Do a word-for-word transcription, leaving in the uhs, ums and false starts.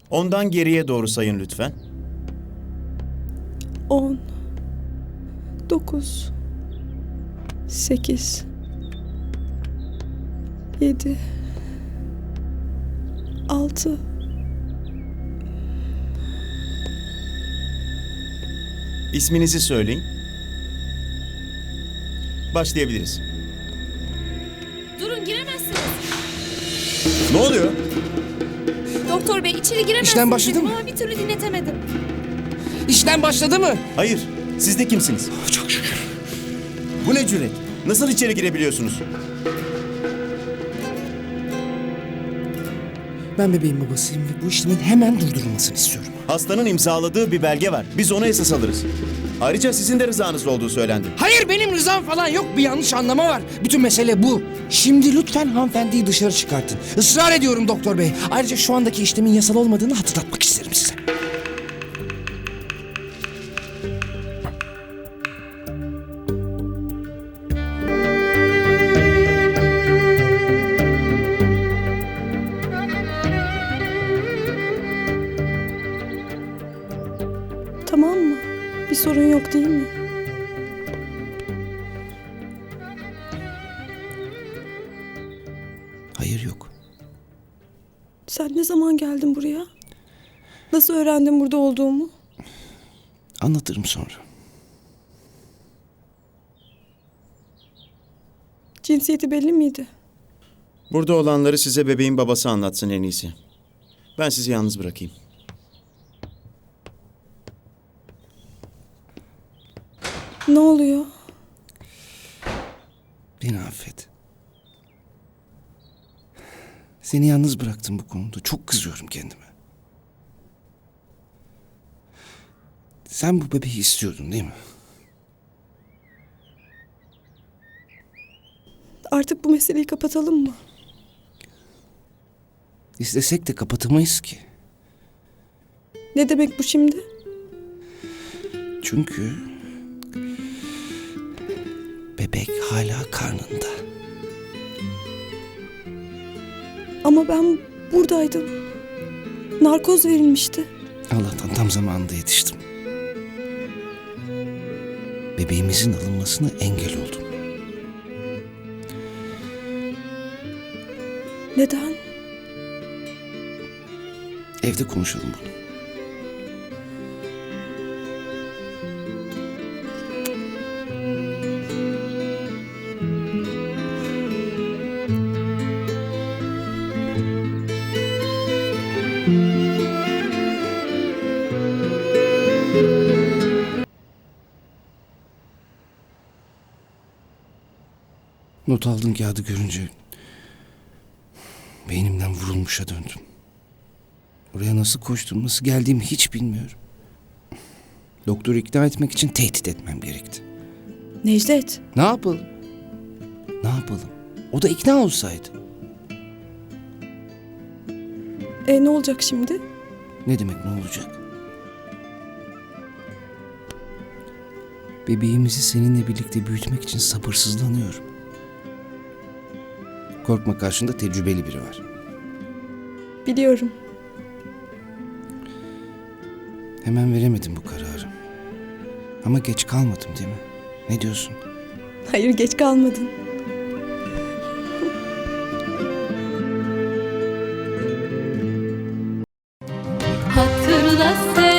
Ondan geriye doğru sayın lütfen. On. Dokuz. Sekiz. Yedi. Altı. İsminizi söyleyin. Başlayabiliriz. Durun, giremezsiniz. Ne oluyor? Doktor bey, içeri giremezsiniz. İşlem başladı dedim mı? Ama bir türlü dinletemedim. İşlem başladı mı? Hayır. Siz de kimsiniz? Çok şükür. Bu ne cüret? Nasıl içeri girebiliyorsunuz? Ben bebeğin babasıyım ve bu işlemin hemen durdurulmasını istiyorum. Hastanın imzaladığı bir belge var. Biz ona esas alırız. Ayrıca sizin de rızanızla olduğu söylendi. Hayır, benim rızam falan yok. Bir yanlış anlama var. Bütün mesele bu. Şimdi lütfen hanımefendiyi dışarı çıkartın. Israr ediyorum doktor bey. Ayrıca şu andaki işlemin yasal olmadığını hatırlatmak isterim size. Tamam mı? Bir sorun yok değil mi? Hayır, yok. Sen ne zaman geldin buraya? Nasıl öğrendin burada olduğumu? Anlatırım sonra. Cinsiyeti belli miydi? Burada olanları size bebeğin babası anlatsın en iyisi. Ben sizi yalnız bırakayım. Ne oluyor? Beni affet. Seni yalnız bıraktım bu konuda. Çok kızıyorum kendime. Sen bu bebeği istiyordun değil mi? Artık bu meseleyi kapatalım mı? İstesek de kapatamayız ki. Ne demek bu şimdi? Çünkü bebek hala karnında. Ama ben buradaydım. Narkoz verilmişti. Allah'tan tam zamanında yetiştim. Bebeğimizin alınmasına engel oldum. Neden? Evde konuşalım bunu. Not aldığın kağıdı görünce beynimden vurulmuşa döndüm. Oraya nasıl koştum, nasıl geldiğimi hiç bilmiyorum. Doktoru ikna etmek için tehdit etmem gerekti. Necdet. Ne yapalım? Ne yapalım? O da ikna olsaydı. E ne olacak şimdi? Ne demek ne olacak? Bebeğimizi seninle birlikte büyütmek için sabırsızlanıyorum. Korkma, karşında tecrübeli biri var. Biliyorum. Hemen veremedim bu kararı. Ama geç kalmadım değil mi? Ne diyorsun? Hayır, geç kalmadın. Hatırla sen.